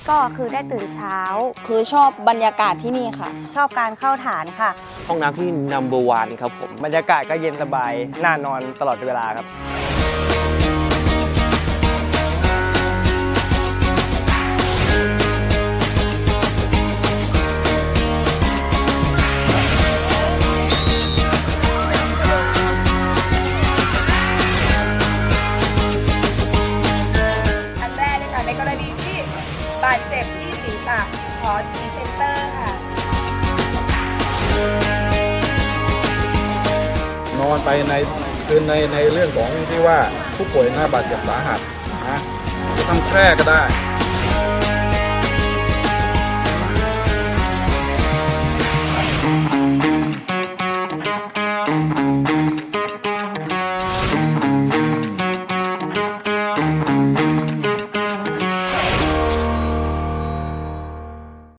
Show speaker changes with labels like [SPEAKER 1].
[SPEAKER 1] ก็คือได้ตื่นเช้า
[SPEAKER 2] คือชอบบรรยากาศที่นี่ค่ะ
[SPEAKER 1] ชอบการเข้าฐานค่ะ
[SPEAKER 3] ห้องน้ำที่ number one ครับผม
[SPEAKER 4] บรรยากาศก็เย็นสบายน่านอนตลอดเวลาครับ
[SPEAKER 5] อันแรกเลยค่ะในกรณีที่บาดเจ็บที่ศีรษะขอทีเซนเตอร์ค่ะ
[SPEAKER 6] นอนไปในคือในเรื่องของที่ว่าผู้ป่วยหน้าบาดเจ็บสาหัสนะจะทำแคร่ก็ได้